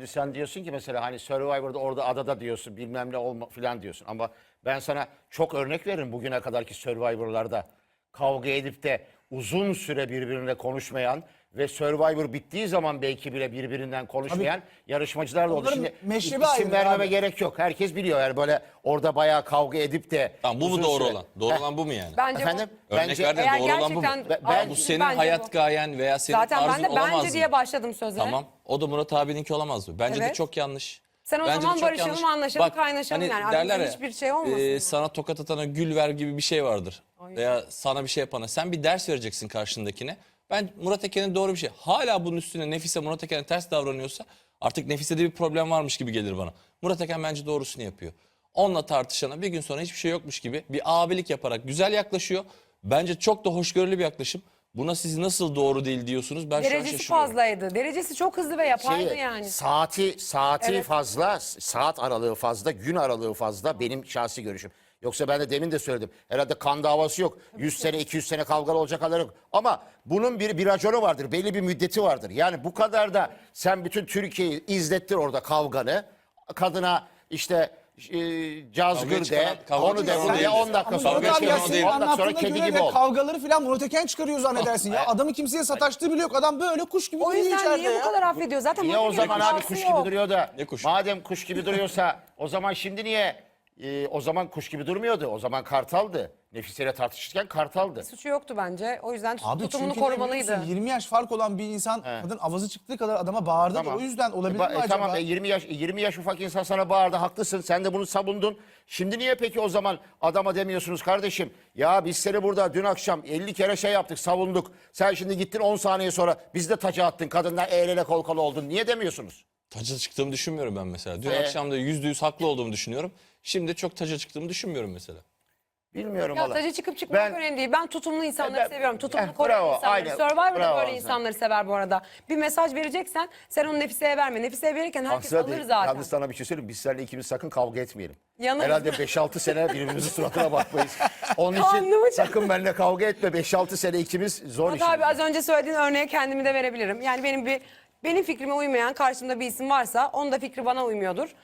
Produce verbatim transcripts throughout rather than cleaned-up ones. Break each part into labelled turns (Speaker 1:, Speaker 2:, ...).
Speaker 1: Şimdi sen diyorsun ki mesela hani Survivor'da orada adada diyorsun bilmem ne olma falan diyorsun. Ama ben sana çok örnek veririm bugüne kadarki Survivor'larda kavga edip de uzun süre birbirine konuşmayan ve Survivor bittiği zaman belki bile birbirinden konuşmayan
Speaker 2: Tabii.
Speaker 1: yarışmacılar da oldu.
Speaker 2: Onların
Speaker 1: Şimdi
Speaker 2: meşrebi
Speaker 1: isim
Speaker 2: ayrı
Speaker 1: vermeme
Speaker 2: abi.
Speaker 1: gerek yok. Herkes biliyor yani böyle orada bayağı kavga edip de
Speaker 3: Tamam, bu mu
Speaker 1: uzun
Speaker 3: doğru
Speaker 1: süre-
Speaker 3: olan? Doğru
Speaker 1: Heh,
Speaker 3: olan bu mu yani?
Speaker 4: Bence
Speaker 1: Efendim?
Speaker 4: bu.
Speaker 3: Örnek
Speaker 1: Bence-
Speaker 3: verdin,
Speaker 4: Eğer
Speaker 3: doğru olan bu mu?
Speaker 4: gerçekten-
Speaker 1: Ben-
Speaker 4: Ama
Speaker 3: Bu
Speaker 4: şimdi
Speaker 3: senin
Speaker 4: bence
Speaker 3: hayat
Speaker 4: bu.
Speaker 3: gayen veya senin
Speaker 4: Zaten ben
Speaker 3: tarzın
Speaker 4: de
Speaker 3: olamaz
Speaker 4: bence
Speaker 3: mı?
Speaker 4: diye başladım söze.
Speaker 3: Tamam. O da Murat abininki olamaz mı? Bence de
Speaker 4: Evet.
Speaker 3: çok yanlış.
Speaker 4: Sen o
Speaker 3: Bence de
Speaker 4: zaman
Speaker 3: çok
Speaker 4: barışalım,
Speaker 3: yanlış.
Speaker 4: anlaşalım,
Speaker 3: Bak,
Speaker 4: kaynaşalım
Speaker 3: hani
Speaker 4: yani. Aramızda
Speaker 3: derler ya,
Speaker 4: hiçbir şey olmasın
Speaker 3: e,
Speaker 4: mı?
Speaker 3: sana tokat atana gül ver gibi bir şey vardır.
Speaker 4: Ay.
Speaker 3: Veya sana bir şey yapana. Sen bir ders vereceksin karşındakine. Ben Murat Eken'in doğru bir şey. Hala bunun üstüne Nefise Murat Eken'e ters davranıyorsa artık Nefise'de bir problem varmış gibi gelir bana. Murat Eken bence doğrusunu yapıyor. Onunla tartışana bir gün sonra hiçbir şey yokmuş gibi bir abilik yaparak güzel yaklaşıyor. Bence çok da hoşgörülü bir yaklaşım. Buna siz nasıl doğru değil diyorsunuz? Ben şu an
Speaker 4: Derecesi
Speaker 3: şaşırıyorum.
Speaker 4: fazlaydı. Derecesi çok hızlı ve yapaydı
Speaker 1: Şeyi,
Speaker 4: yani.
Speaker 1: Saati saati
Speaker 4: Evet.
Speaker 1: fazla, saat aralığı fazla, gün aralığı fazla benim şahsi görüşüm. Yoksa ben de demin de söyledim. Herhalde kan davası yok. yüz sene, iki yüz sene kavgalı olacak halleri yok. Ama bunun bir, bir raconu vardır. Belli bir müddeti vardır. Yani bu kadar da sen bütün Türkiye'yi izlettir orada kavganı. Kadına işte e, cazgır
Speaker 3: Kavgayı
Speaker 1: de,
Speaker 3: çıkaran- kavga
Speaker 1: onu de,
Speaker 3: çıkaran
Speaker 1: bunu
Speaker 3: o
Speaker 1: de,
Speaker 3: değil.
Speaker 1: on dakika
Speaker 2: Ama
Speaker 1: sonra
Speaker 3: Kavga
Speaker 2: Murat abi
Speaker 1: geçelim.
Speaker 2: ya
Speaker 3: o
Speaker 2: senin
Speaker 3: değil.
Speaker 1: on dakika sonra
Speaker 2: anlattığına
Speaker 1: kedi
Speaker 2: göre
Speaker 1: gibi
Speaker 2: de
Speaker 1: ol.
Speaker 2: kavgaları falan Murat Eken çıkarıyor zannedersin ya. Adamı kimseye sataştığı bile yok. Adam böyle kuş gibi
Speaker 4: O
Speaker 2: duruyor
Speaker 4: yüzden
Speaker 2: içeride
Speaker 4: niye
Speaker 2: ya.
Speaker 4: bu kadar affediyor? Zaten
Speaker 1: Niye o
Speaker 4: Murat Eken'in
Speaker 1: zaman abi
Speaker 4: hatası
Speaker 1: kuş
Speaker 4: yok.
Speaker 1: gibi duruyor da
Speaker 3: Ne kuş?
Speaker 1: madem kuş gibi duruyorsa o zaman şimdi niye e, o zaman kuş gibi durmuyordu? O zaman Kartal'dı. Nefise'yle tartışırken Kartal'dı.
Speaker 4: Suçu yoktu bence. O yüzden
Speaker 2: Abi
Speaker 4: tutumunu
Speaker 2: çünkü ne biliyor
Speaker 4: korumalıydı.
Speaker 2: musun? yirmi yaş fark olan bir insan kadın avazı çıktığı kadar adama bağırdı da o yüzden olabilir
Speaker 1: E, ba-
Speaker 2: mi
Speaker 1: e,
Speaker 2: acaba?
Speaker 1: Tamam e, yirmi yaş e, yirmi yaş ufak insan sana bağırdı haklısın. Sen de bunu savundun. Şimdi niye peki o zaman adama demiyorsunuz kardeşim? Ya biz seni burada dün akşam elli kere şey yaptık, savunduk. Sen şimdi gittin on saniye sonra biz de taca attın. Kadından el ele kol kola oldun. Niye demiyorsunuz?
Speaker 3: Taca çıktığımı düşünmüyorum ben mesela. Dün
Speaker 1: Ee?
Speaker 3: akşam da yüzde yüz haklı olduğumu düşünüyorum. Şimdi çok taca çıktığımı düşünmüyorum mesela.
Speaker 1: Bilmiyorum
Speaker 4: Ya
Speaker 1: valla.
Speaker 4: tacı çıkıp çıkmak
Speaker 1: Ben-
Speaker 4: önemli değil. Ben tutumlu insanları
Speaker 1: Ben-
Speaker 4: seviyorum. Tutumlu
Speaker 1: Eh,
Speaker 4: koruyan
Speaker 1: bravo,
Speaker 4: insanları.
Speaker 1: aynen.
Speaker 4: Survivor'da
Speaker 1: Bravo
Speaker 4: böyle
Speaker 1: sen.
Speaker 4: insanları sever bu arada. Bir mesaj vereceksen sen onu Nefise'ye verme. Nefise'ye verirken herkes
Speaker 1: Aksine
Speaker 4: alır
Speaker 1: değil.
Speaker 4: zaten.
Speaker 1: Yalnız sana bir şey söyleyeyim. Biz seninle ikimiz sakın kavga etmeyelim.
Speaker 4: Yanarız.
Speaker 1: Herhalde beş altı sene birbirimizin suratına bakmayız. Onun
Speaker 4: Karnımı
Speaker 1: için sakın benimle kavga etme. beş altı sene ikimiz zor
Speaker 4: Murat
Speaker 1: işimiz.
Speaker 4: abi az önce söylediğin örneğe kendimi de verebilirim. Yani benim bir benim fikrime uymayan karşımda bir isim varsa onun da fikri bana uymuyordur.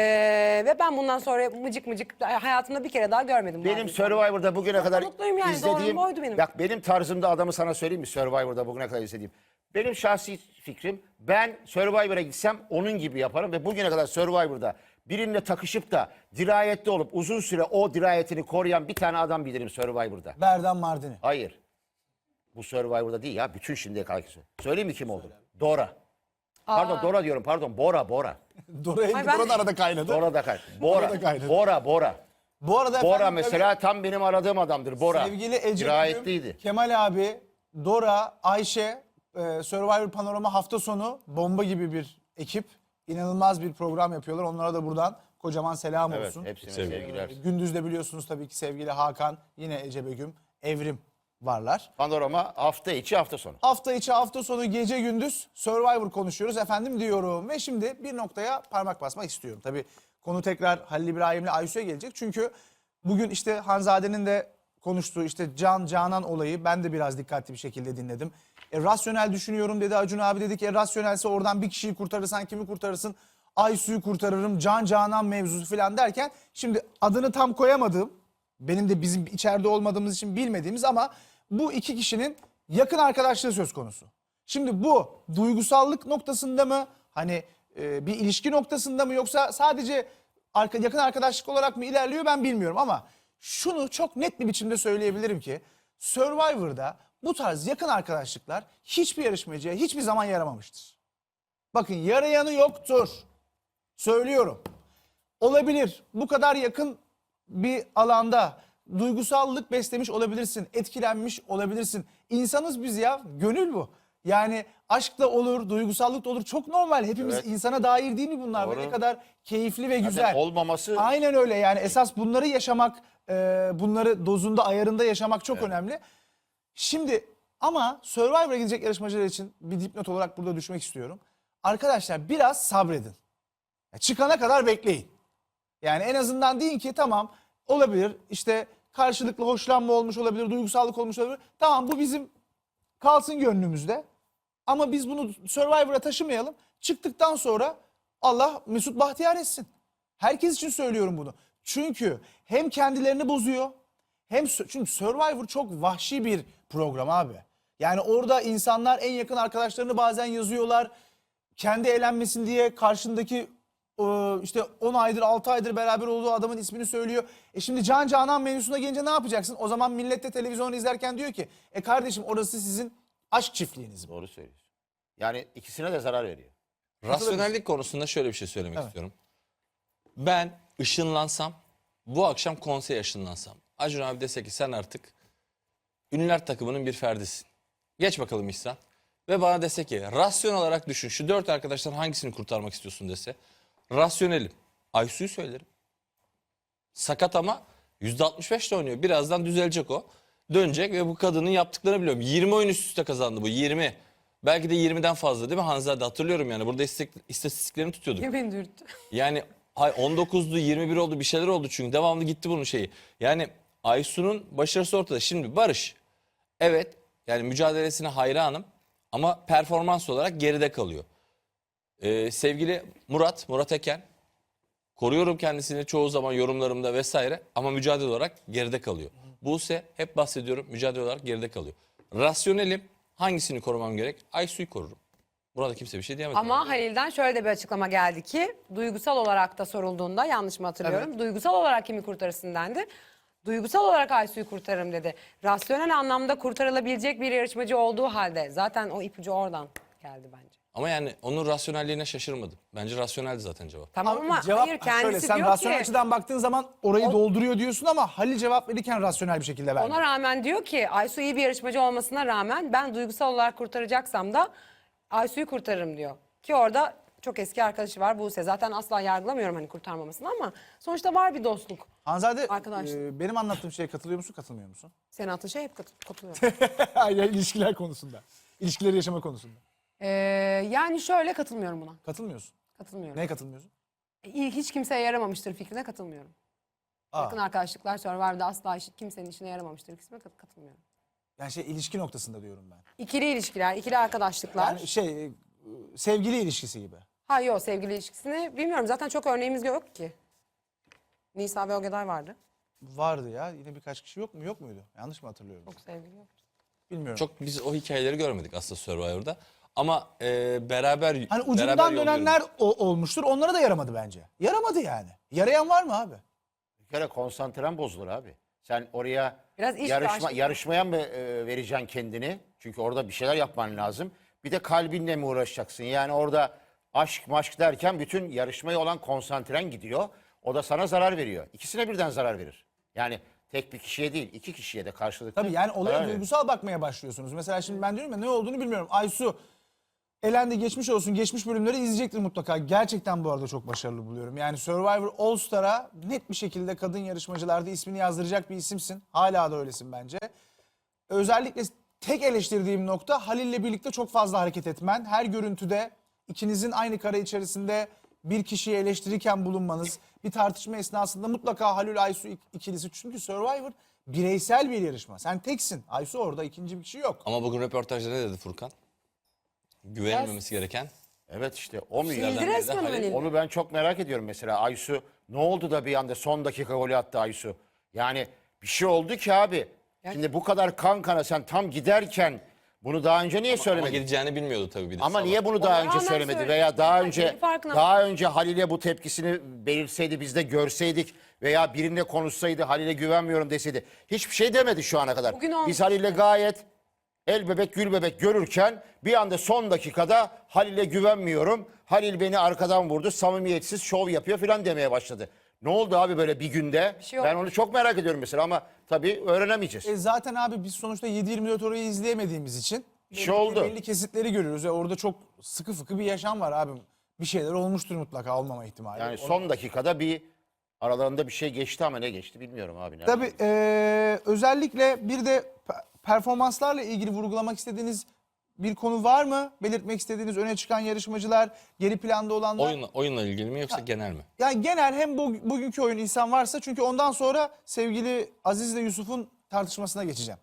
Speaker 4: Ee, ve ben bundan sonra mıcık mıcık hayatımda bir kere daha görmedim.
Speaker 1: Benim
Speaker 4: bazı
Speaker 1: Survivor'da bugüne kadar
Speaker 4: mutluyum yani,
Speaker 1: izlediğim...
Speaker 4: doğrum oydu benim.
Speaker 1: Bak benim tarzımda adamı sana söyleyeyim mi Survivor'da bugüne kadar izlediğim? Benim şahsi fikrim ben Survivor'a gitsem onun gibi yaparım ve bugüne kadar Survivor'da birinle takışıp da dirayetli olup uzun süre o dirayetini koruyan bir tane adam bilirim Survivor'da.
Speaker 2: Berdan Mardini.
Speaker 1: Hayır. Bu Survivor'da değil ya. Bütün şimdiye kadar. Söyleyeyim mi kim oldu? Dora. Pardon Dora diyorum pardon. Bora Bora.
Speaker 2: Dora,
Speaker 4: Ay ben-
Speaker 2: Dora da arada kaynadı.
Speaker 1: Dora da kay. Bora.
Speaker 2: da kaynadı.
Speaker 1: Bora Bora.
Speaker 2: Bu arada
Speaker 1: Bora
Speaker 2: efendim,
Speaker 1: mesela tam benim aradığım adamdır. Bora.
Speaker 2: sevgili Ece
Speaker 1: Dirayetliydi.
Speaker 2: Gülüm, Kemal abi, Dora, Ayşe, e, Survivor Panorama hafta sonu bomba gibi bir ekip. İnanılmaz bir program yapıyorlar. Onlara da buradan kocaman selam
Speaker 1: Evet
Speaker 2: olsun.
Speaker 1: hepsine
Speaker 3: Sevgili.
Speaker 1: sevgiler.
Speaker 2: Gündüzde biliyorsunuz tabii ki sevgili Hakan, yine Ece Begüm, Evrim varlar.
Speaker 1: Panorama hafta içi hafta sonu.
Speaker 2: Hafta içi, hafta sonu, gece gündüz Survivor konuşuyoruz efendim diyorum. Ve şimdi bir noktaya parmak basmak istiyorum. Tabii konu tekrar Halil İbrahim'le Aysu'ya gelecek. Çünkü bugün işte Hanzade'nin de konuştuğu işte Can Canan olayı ben de biraz dikkatli bir şekilde dinledim. E, rasyonel düşünüyorum dedi Acun abi, dedik e, rasyonelse oradan bir kişiyi kurtarırsan kimi kurtarırsın? Aysu'yu kurtarırım, Can Canan mevzusu falan derken şimdi adını tam koyamadığım, benim de bizim içeride olmadığımız için bilmediğimiz ama bu iki kişinin yakın arkadaşlığı söz konusu. Şimdi bu duygusallık noktasında mı, hani e, bir ilişki noktasında mı, yoksa sadece arka, yakın arkadaşlık olarak mı ilerliyor ben bilmiyorum ama şunu çok net bir biçimde söyleyebilirim ki Survivor'da bu tarz yakın arkadaşlıklar hiçbir yarışmacıya hiçbir zaman yaramamıştır. Bakın yarayanı yoktur. Söylüyorum. Olabilir. Bu kadar yakın bir alanda duygusallık beslemiş olabilirsin. Etkilenmiş olabilirsin. İnsanız biz ya. Gönül bu. Yani aşk da olur, duygusallık da olur. Çok normal. Hepimiz
Speaker 1: Evet.
Speaker 2: insana dair değil mi bunlar?
Speaker 1: Doğru.
Speaker 2: Ve ne kadar keyifli ve güzel.
Speaker 1: olmaması-
Speaker 2: Aynen öyle yani. Esas bunları yaşamak, e, bunları dozunda, ayarında yaşamak çok önemli. Şimdi ama Survivor'a gidecek yarışmacılar için bir dipnot olarak burada düşmek istiyorum. Arkadaşlar biraz sabredin. Ya çıkana kadar bekleyin. Yani en azından deyin ki tamam olabilir, işte karşılıklı hoşlanma olmuş olabilir, duygusallık olmuş olabilir. Tamam bu bizim kalsın gönlümüzde ama biz bunu Survivor'a taşımayalım. Çıktıktan sonra Allah Mesut Bahtiyar etsin. Herkes için söylüyorum bunu. Çünkü hem kendilerini bozuyor hem sö- çünkü Survivor çok vahşi bir program abi. Yani orada insanlar en yakın arkadaşlarını bazen yazıyorlar. Kendi eğlenmesin diye karşındaki e, işte on aydır altı aydır beraber olduğu adamın ismini söylüyor. E şimdi Can Canan mevzusuna gelince ne yapacaksın? O zaman millet de televizyon izlerken diyor ki e kardeşim orası sizin aşk çiftliğiniz.
Speaker 1: Doğru söylüyorsun. Yani ikisine de zarar veriyor.
Speaker 3: Rasyonellik konusunda şöyle bir şey söylemek istiyorum. Ben ışınlansam, bu akşam konseye ışınlansam. Acun abi dese ki sen artık ünlüler takımının bir ferdisin. Geç bakalım İhsan. Ve bana dese ki rasyon olarak düşün. Şu dört arkadaştan hangisini kurtarmak istiyorsun dese. Rasyonelim. Aysu'yu söylerim. Sakat ama yüzde altmış beş ile oynuyor. Birazdan düzelecek o. Dönecek ve bu kadının yaptıklarını biliyorum. yirmi oyun üst üste kazandı bu. yirmi. Belki de yirmiden fazla değil mi Hanzade? Hatırlıyorum yani. Burada istek- istatistiklerini tutuyorduk.
Speaker 4: Yemin dürttü.
Speaker 3: Yani hay on dokuzdu, yirmi bir oldu, bir şeyler oldu çünkü devamlı gitti bunun şeyi. Yani Aysu'nun başarısı ortada. Şimdi Barış, evet yani mücadelesine hayranım ama performans olarak geride kalıyor. Ee, sevgili Murat, Murat Eken, koruyorum kendisini çoğu zaman yorumlarımda vesaire ama mücadele olarak geride kalıyor. Buse, hep bahsediyorum, mücadele olarak geride kalıyor. Rasyonelim, hangisini korumam gerek? Aysu'yu korurum. Burada kimse bir şey diyemez.
Speaker 4: Ama Halil'den şöyle de bir açıklama geldi ki duygusal olarak da sorulduğunda yanlış mı hatırlıyorum? Duygusal olarak kimi kurtarırsın dendi. Duygusal olarak Aysu'yu kurtarırım dedi. Rasyonel anlamda kurtarılabilecek bir yarışmacı olduğu halde zaten o ipucu oradan geldi bence.
Speaker 3: Ama yani onun rasyonelliğine şaşırmadım. Bence rasyoneldi zaten cevap.
Speaker 4: Tamam ama
Speaker 2: Cevap
Speaker 4: hayır
Speaker 2: ha,
Speaker 4: kendisi
Speaker 2: şöyle, sen
Speaker 4: diyor
Speaker 2: rasyonel
Speaker 4: ki
Speaker 2: açıdan baktığın zaman orayı dolduruyor diyorsun ama Halil cevap verirken rasyonel bir şekilde verdi.
Speaker 4: ona rağmen diyor ki Aysu iyi bir yarışmacı olmasına rağmen ben duygusal olarak kurtaracaksam da Aysu'yu kurtarırım diyor. Ki orada çok eski arkadaşı var Buse. Zaten asla yargılamıyorum hani kurtarmamasını ama sonuçta var bir dostluk.
Speaker 2: Hanzade
Speaker 4: Arkadaşlar.
Speaker 2: e, benim anlattığım şeye katılıyor musun katılmıyor musun?
Speaker 4: Senin attığın şey hep kat- katılıyor.
Speaker 2: Hayır ilişkiler konusunda. İlişkileri yaşama konusunda.
Speaker 4: Ee, yani şöyle katılmıyorum buna.
Speaker 2: Katılmıyorsun.
Speaker 4: Katılmıyorum.
Speaker 2: Neye katılmıyorsun?
Speaker 4: İlk hiç kimseye yaramamıştır fikrine katılmıyorum.
Speaker 2: Aa,
Speaker 4: Yakın arkadaşlıklar Survivor'da asla hiç kimsenin işine yaramamıştır fikrine kat- katılmıyorum.
Speaker 2: yani şey ilişki noktasında diyorum ben.
Speaker 4: İkili ilişkiler, ikili arkadaşlıklar.
Speaker 2: Yani şey e, sevgili ilişkisi gibi.
Speaker 4: Ha yok sevgili ilişkisini bilmiyorum. Zaten çok örneğimiz yok ki. Nisa ve Ogeday vardı.
Speaker 2: Vardı ya yine birkaç kişi yok mu yok muydu? Yanlış mı hatırlıyorum?
Speaker 4: Çok sevgili yok.
Speaker 2: Bilmiyorum.
Speaker 3: Çok biz o hikayeleri görmedik aslında Survivor'da. Ama e, beraber
Speaker 2: Hani
Speaker 3: beraber
Speaker 2: ucundan
Speaker 3: yol
Speaker 2: dönenler o- olmuştur. Onlara da yaramadı bence. Yaramadı yani. Yarayan var mı abi?
Speaker 1: Bir kere konsantren bozulur abi. Sen oraya
Speaker 4: Biraz iş
Speaker 1: yarışma,
Speaker 4: ve aşk-
Speaker 1: yarışmaya mı e, vereceksin kendini? Çünkü orada bir şeyler yapman lazım. Bir de kalbinle mi uğraşacaksın? Yani orada aşk maşk derken bütün yarışmaya olan konsantren gidiyor. O da sana zarar veriyor. İkisine birden zarar verir. Yani tek bir kişiye değil, iki kişiye de karşılıklı.
Speaker 2: Tabii yani olaya
Speaker 1: zarar verir.
Speaker 2: duygusal bakmaya başlıyorsunuz. Mesela şimdi ben diyorum ya ne olduğunu bilmiyorum. Aysu elendi geçmiş olsun. Geçmiş bölümleri izleyecektir mutlaka. Gerçekten bu arada çok başarılı buluyorum. Yani Survivor All Star'a net bir şekilde kadın yarışmacılarda ismini yazdıracak bir isimsin. Hala da öylesin bence. Özellikle tek eleştirdiğim nokta Halil'le birlikte çok fazla hareket etmen. Her görüntüde ikinizin aynı kare içerisinde bir kişiyi eleştirirken bulunmanız. Bir tartışma esnasında mutlaka Halil Aysu ik- ikilisi. Çünkü Survivor bireysel bir yarışma. Sen teksin. Aysu orada ikinci bir kişi yok.
Speaker 3: Ama bugün röportajda ne dedi Furkan? Güvenilmemesi gereken.
Speaker 1: Evet işte o mu?
Speaker 4: Sildi
Speaker 1: yani?
Speaker 4: resmen
Speaker 3: Halil-
Speaker 4: Halil.
Speaker 1: Onu ben çok merak ediyorum mesela. Aysu ne oldu da bir anda son dakika golü attı Aysu? Yani bir şey oldu ki abi. Şimdi bu kadar kan kana sen tam giderken bunu daha önce niye
Speaker 3: Ama
Speaker 1: söylemedin?
Speaker 3: gideceğini bilmiyordu tabii bir de.
Speaker 1: Ama
Speaker 3: sabah.
Speaker 1: niye bunu daha
Speaker 4: Ona
Speaker 1: önce
Speaker 4: rağmen
Speaker 1: söylemedi
Speaker 4: söyledi.
Speaker 1: veya daha
Speaker 4: Yani
Speaker 1: önce
Speaker 4: kendi farkına-
Speaker 1: daha önce Halil'e bu tepkisini belirtseydi biz de görseydik veya birine konuşsaydı Halil'e güvenmiyorum deseydi. Hiçbir şey demedi şu ana kadar.
Speaker 4: Bugün olmuş
Speaker 1: Biz Halil'le gayet el bebek gül bebek görürken bir anda son dakikada Halil'e güvenmiyorum. Halil beni arkadan vurdu, samimiyetsiz şov yapıyor falan demeye başladı. Ne oldu abi böyle bir günde?
Speaker 4: Bir şey
Speaker 1: ben
Speaker 4: olmadı.
Speaker 1: onu çok merak ediyorum mesela ama tabii öğrenemeyeceğiz.
Speaker 2: E zaten abi biz sonuçta yedi yirmi dört orayı izleyemediğimiz için
Speaker 1: Bir şey
Speaker 2: belli-
Speaker 1: oldu.
Speaker 2: belli kesitleri görüyoruz ve orada çok sıkı fıkı bir yaşam var abi. Bir şeyler olmuştur mutlaka olmama ihtimali.
Speaker 1: Yani
Speaker 2: Onu-
Speaker 1: son dakikada bir aralarında bir şey geçti ama ne geçti bilmiyorum abi.
Speaker 2: Tabii eee, özellikle bir de pe- performanslarla ilgili vurgulamak istediğiniz bir konu var mı? Belirtmek istediğiniz öne çıkan yarışmacılar, geri planda olanlar.
Speaker 3: Oyunla, oyunla ilgili mi yoksa genel mi?
Speaker 2: Yani genel hem bu, bugünkü oyun insan varsa çünkü ondan sonra sevgili Aziz ile Yusuf'un tartışmasına geçeceğim.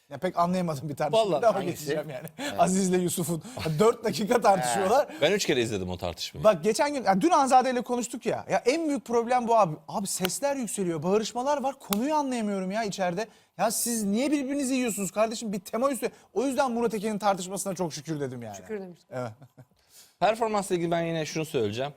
Speaker 2: Ya pek anlayamadım bir tartışmayı
Speaker 3: Vallahi
Speaker 2: da ama
Speaker 1: hangisi?
Speaker 2: geçeceğim yani. Aziz'le Yusuf'un dört dakika tartışıyorlar.
Speaker 3: Ben üç kere izledim o tartışmayı.
Speaker 2: Bak geçen gün, ya dün Hanzade ile konuştuk ya. Ya en büyük problem bu abi. Abi sesler yükseliyor, bağırışmalar var. Konuyu anlayamıyorum ya içeride. Ya siz niye birbirinizi yiyorsunuz kardeşim? Bir tema üstü. O yüzden Murat Eken'in tartışmasına çok şükür dedim yani.
Speaker 4: Şükür demiştim.
Speaker 2: Evet.
Speaker 3: Performansla ilgili ben yine şunu söyleyeceğim.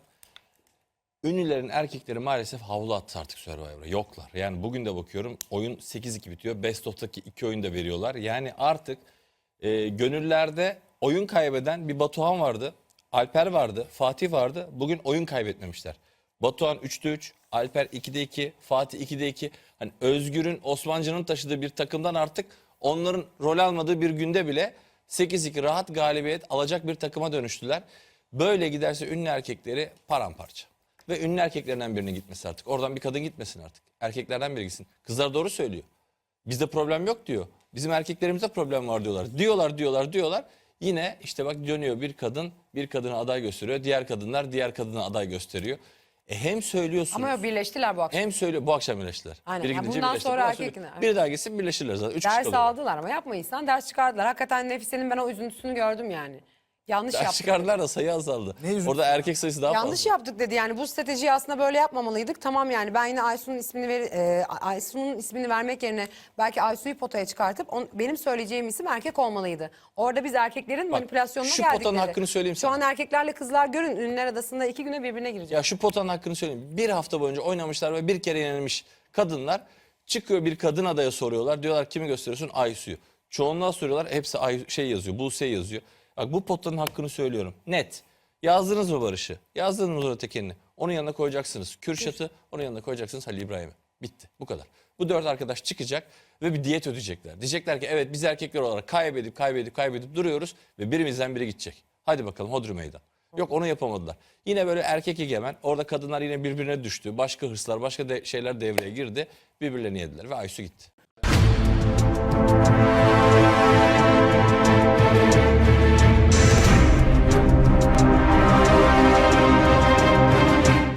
Speaker 3: Ünlülerin erkekleri maalesef havlu attı artık Survivor'a. Yoklar. Yani bugün de bakıyorum oyun sekiz iki bitiyor. Best of'taki iki oyun da veriyorlar. Yani artık e, gönüllerde oyun kaybeden bir Batuhan vardı. Alper vardı. Fatih vardı. Bugün oyun kaybetmemişler. Batuhan üçte üç, Alper ikide iki, Fatih ikide iki. Hani Özgür'ün, Osmancan'ın taşıdığı bir takımdan artık onların rol almadığı bir günde bile sekiz iki rahat galibiyet alacak bir takıma dönüştüler. Böyle giderse ünlü erkekleri paramparça. Ve ünlü erkeklerinden birinin gitmesi artık. Oradan bir kadın gitmesin artık. Erkeklerden biri gitsin. Kızlar doğru söylüyor. Bizde problem yok diyor. Bizim erkeklerimizde problem var diyorlar. Diyorlar, diyorlar, diyorlar. Yine işte bak dönüyor bir kadın, bir kadına aday gösteriyor. Diğer kadınlar diğer kadına aday gösteriyor. E hem söylüyorsunuz.
Speaker 4: Ama yok, birleştiler bu akşam.
Speaker 3: Hem söylüyor. Bu akşam birleştiler.
Speaker 4: Aynen.
Speaker 3: Biri
Speaker 4: Ya
Speaker 3: gidince
Speaker 4: bundan
Speaker 3: birleşti.
Speaker 4: sonra
Speaker 3: Bundan
Speaker 4: erkek-
Speaker 3: sonra biri daha gitsin birleşirler zaten. Üç kişi
Speaker 4: Ders
Speaker 3: kalıyorlar.
Speaker 4: aldılar ama yapmayırsan ders çıkardılar. Hakikaten Nefise'nin ben o üzüntüsünü gördüm yani. Yanlış
Speaker 3: Ders
Speaker 4: yaptık.
Speaker 3: çıkardılar da sayı azaldı.
Speaker 2: Ne üzüntüsü
Speaker 3: Orada erkek sayısı daha
Speaker 4: Yanlış
Speaker 3: fazla.
Speaker 4: yaptık dedi yani bu stratejiyi aslında böyle yapmamalıydık. Tamam yani ben yine Aysu'nun ismini ver, e, Aysu'nun ismini vermek yerine belki Aysu'yu potaya çıkartıp on, benim söyleyeceğim isim erkek olmalıydı. Orada biz erkeklerin manipülasyonuna
Speaker 3: şu
Speaker 4: geldik
Speaker 3: potanın
Speaker 4: dedi.
Speaker 3: hakkını söyleyeyim
Speaker 4: Şu
Speaker 3: sana.
Speaker 4: an erkeklerle kızlar görün ünlüler adasında iki güne birbirine girecek.
Speaker 3: Ya şu potanın hakkını söyleyeyim. Bir hafta boyunca oynamışlar ve bir kere yenilmiş kadınlar. Çıkıyor bir kadın adaya soruyorlar. Diyorlar kimi gösteriyorsun? Aysu'yu. Çoğunluğa soruyorlar. Hepsi Ay, şey yazıyor. Buse yazıyor. Bak bu potanın hakkını söylüyorum. Net. Yazdınız mı Barış'ı? Yazdınız mı Murat Eken'i? Onun yanına koyacaksınız Kürşat'ı. Onun yanına koyacaksınız Halil İbrahim'i. Bitti. Bu kadar. Bu dört arkadaş çıkacak ve bir diyet ödeyecekler. Diyecekler ki evet biz erkekler olarak kaybedip kaybedip kaybedip duruyoruz ve birimizden biri gidecek. Hadi bakalım hodri meydan. Yok onu yapamadılar. Yine böyle erkek egemen. Orada kadınlar yine birbirine düştü. Başka hırslar, başka de şeyler devreye girdi. Birbirlerini yediler ve Aysu gitti.